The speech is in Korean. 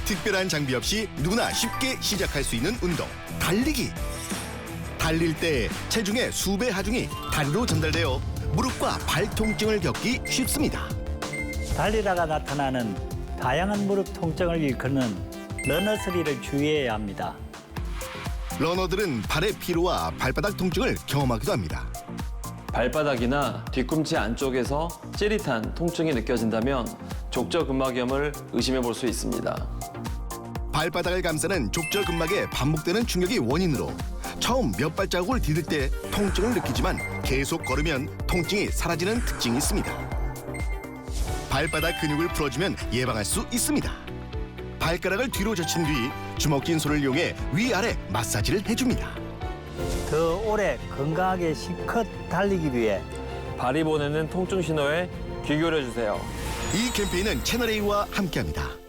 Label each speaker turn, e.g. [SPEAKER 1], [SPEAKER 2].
[SPEAKER 1] 특별한 장비 없이 누구나 쉽게 시작할 수 있는 운동, 달리기. 달릴 때 체중의 수배 하중이 다리로 전달되어 무릎과 발 통증을 겪기 쉽습니다.
[SPEAKER 2] 달리다가 나타나는 다양한 무릎 통증을 일컫는 러너스리를 주의해야 합니다.
[SPEAKER 1] 러너들은 발의 피로와 발바닥 통증을 경험하기도 합니다.
[SPEAKER 3] 발바닥이나 뒤꿈치 안쪽에서 찌릿한 통증이 느껴진다면 족저근막염을 의심해 볼 수 있습니다.
[SPEAKER 1] 발바닥을 감싸는 족저근막에 반복되는 충격이 원인으로 처음 몇 발자국을 디딜 때 통증을 느끼지만 계속 걸으면 통증이 사라지는 특징이 있습니다. 발바닥 근육을 풀어주면 예방할 수 있습니다. 발가락을 뒤로 젖힌 뒤 주먹진 손을 이용해 위아래 마사지를 해줍니다.
[SPEAKER 2] 더 오래 건강하게 실컷 달리기 위해
[SPEAKER 3] 발이 보내는 통증 신호에 귀 기울여 주세요.
[SPEAKER 1] 이 캠페인은 채널A와 함께합니다.